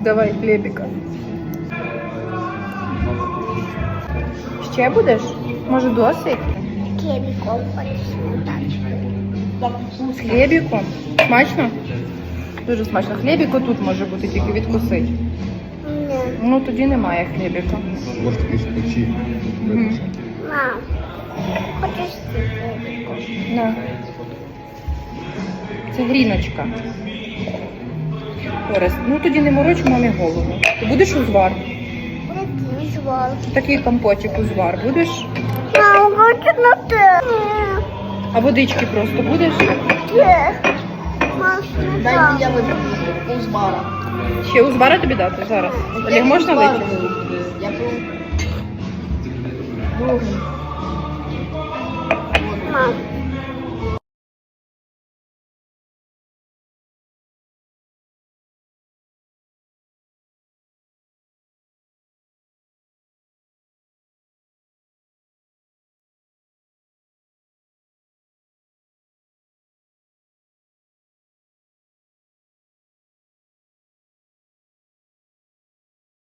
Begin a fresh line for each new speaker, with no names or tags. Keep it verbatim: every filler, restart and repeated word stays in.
Давай хлібіка. Ще будеш? Може досить?
Хлібіком хочеш.
З хлібіком? Смачно? Дуже смачно. Хлібіко тут може бути, тільки відкусить.
Ні.
Ну тоді немає хлібіка.
Може такі спочі.
Мгм.
Мам, хочеш хлібіком?
На. Це гріночка. Орест, ну тоді не мороч мамі голову. Ти будеш узвар?
Який звал?
Такий компотик узвар будеш?
Мам, хочу на те.
А водички просто будеш?
Ні. Мам,
Дайте я вип'ю узвара.
Ще узвара тобі дати зараз? Олег, можна випити?
Я пив.
мам.